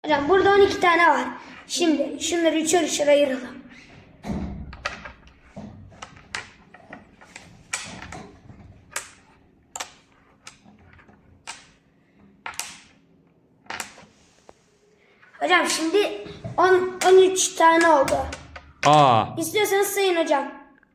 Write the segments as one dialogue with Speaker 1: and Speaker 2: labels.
Speaker 1: Hocam burada 12 tane var. Şimdi şunları üçer ayıralım. Hocam şimdi 13 tane oldu. İstiyorsanız sayın hocam.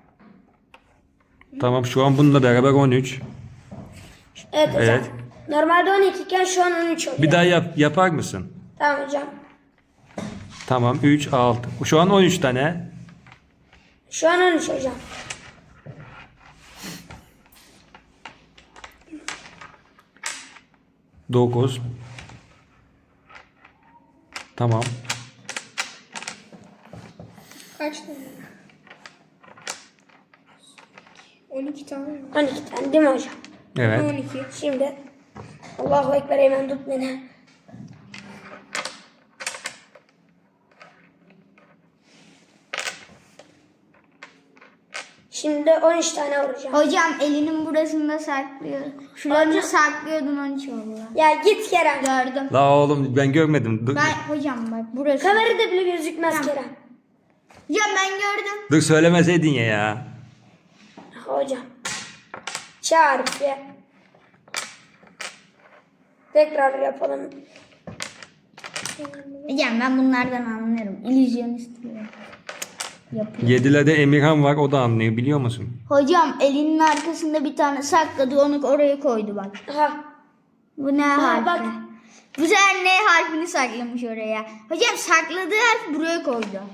Speaker 2: Tamam, şu an bununla beraber 13.
Speaker 1: Evet hocam.
Speaker 2: Evet.
Speaker 1: Normalde 12 iken şu an 13 oluyor.
Speaker 2: Bir daha yapar mısın?
Speaker 1: Tamam hocam.
Speaker 2: Tamam, 3, 6. Şu an 13 tane.
Speaker 1: Şu an 13 hocam.
Speaker 2: Dokuz. Tamam.
Speaker 3: Kaç tane? 12 tane mi?
Speaker 1: 12 tane değil mi hocam?
Speaker 2: Evet.
Speaker 3: 12.
Speaker 1: Şimdi Allahu Ekber, hemen tut beni. Şimdi 13 tane vuracağım.
Speaker 4: Hocam elinin burasında saklıyor. Şurada saklıyordun 13 oldu.
Speaker 1: Ya git Kerem.
Speaker 4: Gördüm.
Speaker 2: La oğlum, ben görmedim. Dur,
Speaker 4: Hocam bak burası.
Speaker 1: Kamerada bile gözükmez Kerem.
Speaker 4: Hocam ben gördüm.
Speaker 2: dur söylemeseydin ya.
Speaker 1: Hocam. Çarpı. Tekrar yapalım.
Speaker 4: Hocam ben bunlardan anlarım. İllüzyonist diyorum. Yapıyor.
Speaker 2: 7'lerde Emirhan var, o da anlıyor, biliyor musun?
Speaker 4: Hocam elinin arkasında bir tane sakladı, onu oraya koydu bak.
Speaker 1: Aha.
Speaker 4: Bu ne harfi?
Speaker 1: bak.
Speaker 4: Bu sefer ne harfini saklamış oraya. Hocam sakladığı harf buraya koydu.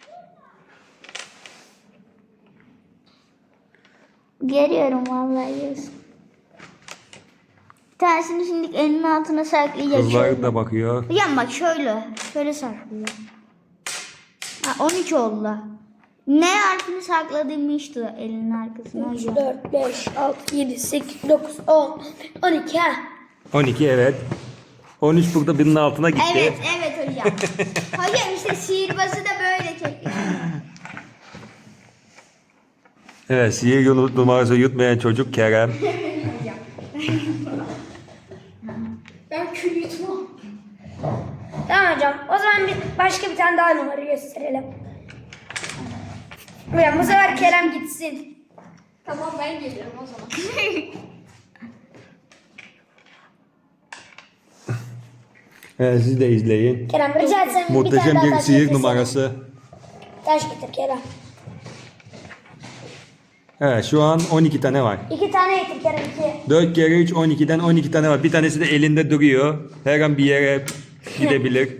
Speaker 4: Görüyorum vallahi diyorsun. Bir tanesini şimdi elinin altına saklayacak.
Speaker 2: Kızlar
Speaker 4: şöyle.
Speaker 2: da bakıyor.
Speaker 4: Hocam bak şöyle. Şöyle saklıyor. Ha, 13 oldu. Ne harfini sakladığımı işte elinin arkasına
Speaker 1: 3,
Speaker 4: hocam.
Speaker 1: 4, 5, 6, 7, 8, 9, 10, 12 ha.
Speaker 2: 12, evet. 13 burada birinin altına gitti.
Speaker 4: Evet hocam. Hocam işte sihirbazı da böyle çekiyor.
Speaker 2: Evet, sihir yolu numarası yutmayan çocuk Kerem.
Speaker 3: Ben kül yutmam.
Speaker 1: Tamam hocam. O zaman başka bir tane daha numara gösterelim. Hocam bu sefer Kerem gitsin.
Speaker 3: Tamam ben geliyorum o zaman.
Speaker 2: Evet, siz de izleyin.
Speaker 1: Kerem rica etsem bir
Speaker 2: Muhteşem
Speaker 1: tane daha
Speaker 2: bir
Speaker 1: taş
Speaker 2: sihir
Speaker 1: getirsene.
Speaker 2: numarası.
Speaker 1: Taş getir Kerem.
Speaker 2: Evet, şu an 12 tane var.
Speaker 1: 2 tane getir Kerem, 2.
Speaker 2: 4 kere 3, 12'den 12 tane var. Bir tanesi de elinde duruyor. Her an bir yere gidebilir.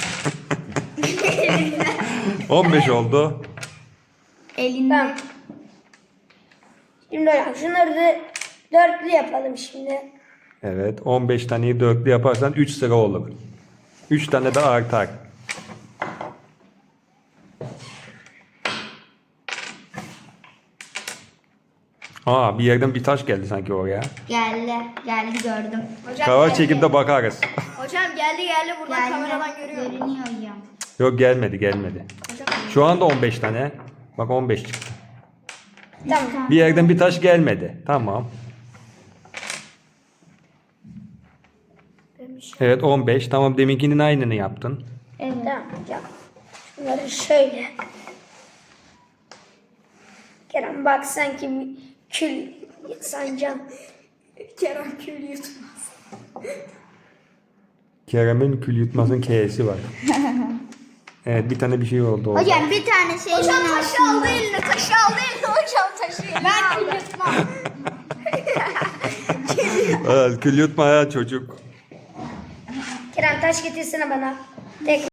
Speaker 2: 15 oldu.
Speaker 4: Elinde.
Speaker 1: Tamam. Şimdi hocam şunları da dörtlü yapalım şimdi.
Speaker 2: Evet, 15 taneyi dörtlü yaparsan 3 sıra olur. 3 tane de artar. Bir yerden bir taş geldi sanki oraya.
Speaker 4: Geldi gördüm.
Speaker 3: Hocam
Speaker 2: Kava
Speaker 3: geldi.
Speaker 2: çekip de bakarız.
Speaker 3: Hocam geldi buradan kameradan görüyorum.
Speaker 4: Görünüyor hocam.
Speaker 2: Yok, gelmedi.
Speaker 3: Hocam
Speaker 2: Şu anda 15 tane. Bak, 15 çıktı.
Speaker 1: Tamam.
Speaker 2: Bir yerden bir taş gelmedi. Tamam. Evet, 15. Tamam, deminkinin aynını yaptın.
Speaker 4: Evet.
Speaker 1: Tamam hocam. Şunları şöyle. Kerem bak sanki bir kül sancam.
Speaker 3: Kerem kül yutmaz.
Speaker 2: Kerem'in kül yutmasın K'si var. Evet, bir tane bir şey oldu orada.
Speaker 4: Hocam bir tanesi elinin
Speaker 3: Hocam taşı
Speaker 4: altında.
Speaker 3: aldı eline, taşı aldı eline hocam taşı. Ben kül yutmam.
Speaker 2: Evet, kül yutmayan çocuk.
Speaker 1: Kerem taş getirsene bana. Tek